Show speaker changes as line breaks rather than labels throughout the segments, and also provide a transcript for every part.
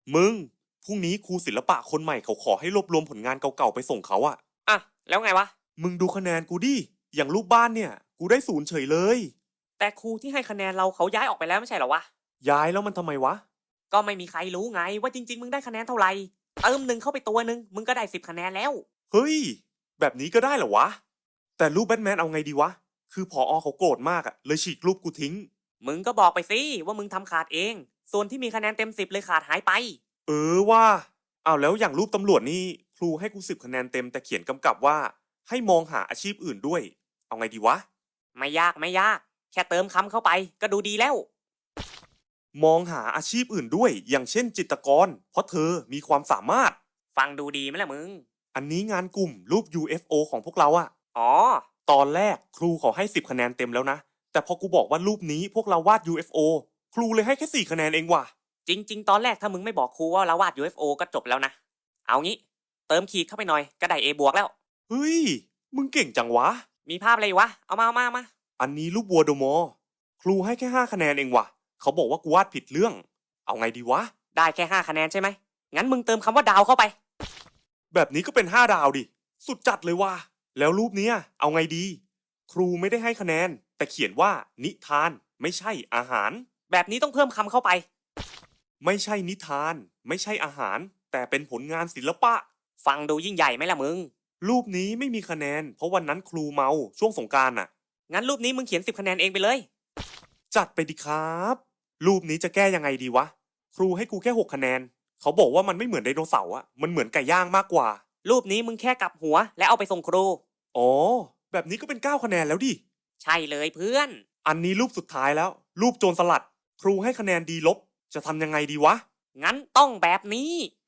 มึงพรุ่งนี้ครูศิลปะคนใหม่เขาขอให้รวบรวมผลงานเก่าๆไปส่งเขาอะ
อ่ะแล้วไงวะ
มึงดูคะแนนกูดิอย่างรูปบ้านเนี่ยกูได้0เฉยเลย
แต่ครูที่ให้คะแนนเราเขาย้ายออกไปแล้วไม่ใช่เหรอวะ
ย้ายแล้วมันทำไมวะ
ก็ไม่มีใครรู้ไงว่าจริงๆมึงได้คะแนนเท่าไหร่เติม1เข้าไปตัวนึงมึงก็ได้10คะแนนแล้ว
เฮ้ยแบบนี้ก็ได้เหรอวะแต่รูปแบทแมนเอาไงดีวะคือผอเขาโกรธมากอะเลยฉีกรูปกูทิ้ง
มึงก็บอกไปสิว่ามึงทำขาดเองส่วนที่มีคะแนนเต็ม10เลยขาดหายไป
ว่าเอาแล้วอย่างรูปตำรวจนี่ครูให้กู10 คะแนนเต็มแต่เขียนกำกับว่าให้มองหาอาชีพอื่นด้วยเอาไงดีวะ
ไม่ยากไม่ยากแค่เติมคำเข้าไปก็ดูดีแล้ว
มองหาอาชีพอื่นด้วยอย่างเช่นจิตรกรเพราะเธอมีความสามารถ
ฟังดูดีไหมล่ะมึง
อันนี้งานกลุ่มรูป UFO ของพวกเราอะ
อ๋อ
ตอนแรกครูเขาให้10 คะแนนเต็มแล้วนะแต่พอกูบอกว่ารูปนี้พวกเราวาด UFO ครูเลยให้แค่4 คะแนนเองว่ะ
จริงๆตอนแรกถ้ามึงไม่บอกครูว่าเราวาด UFO ก็จบแล้วนะเอางี้เติมขีดเข้าไปหน่อยก็ได้ A บวกแล้ว
เฮ้ยมึงเก่งจังวะ
มีภาพอะไรวะเอามา
อันนี้รูปวัวโดโมครูให้แค่5 คะแนนเองว่ะเขาบอกว่ากูวาดผิดเรื่องเอาไงดีวะ
ได้แค่5คะแนนใช่ไหมงั้นมึงเติมคำว่าดาวเข้าไป
แบบนี้ก็เป็น5 ดาวดิสุดจัดเลยว่ะแล้วรูปเนี้ยเอาไงดีครูไม่ได้ให้คะแนนแต่เขียนว่านิทานไม่ใช่อาหาร
แบบนี้ต้องเพิ่มคำเข้าไป
ไม่ใช่นิทานไม่ใช่อาหารแต่เป็นผลงานศิลปะ
ฟังดูยิ่งใหญ่ไหมล่ะมึง
รูปนี้ไม่มีคะแนนเพราะวันนั้นครูเมาช่วงสงกรานต์น่ะ
งั้นรูปนี้มึงเขียน10คะแนนเองไปเลย
จัดไปดิครับรูปนี้จะแก้ยังไงดีวะครูให้กูแค่6 คะแนนเขาบอกว่ามันไม่เหมือนไดโนเสาร์อะมันเหมือนไก่ย่างมากกว่า
รูปนี้มึงแค่กลับหัวและเอาไปส่งครู
อ๋อแบบนี้ก็เป็น9 คะแนนแล้วดิ
ใช่เลยเพื่อน
อันนี้รูปสุดท้ายแล้วรูปโจรสลัดครูให้คะแนนดีลบจะทำยังไงดีวะ
งั้นต้องแบบนี้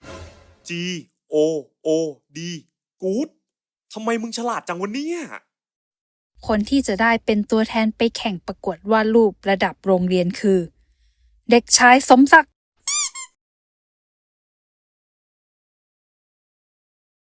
G O O D good ทำไมมึงฉลาดจังวะเนี่ย
คนที่จะได้เป็นตัวแทนไปแข่งประกวดวาดรูประดับโรงเรียนคือ เด็กชายสมศักดิ์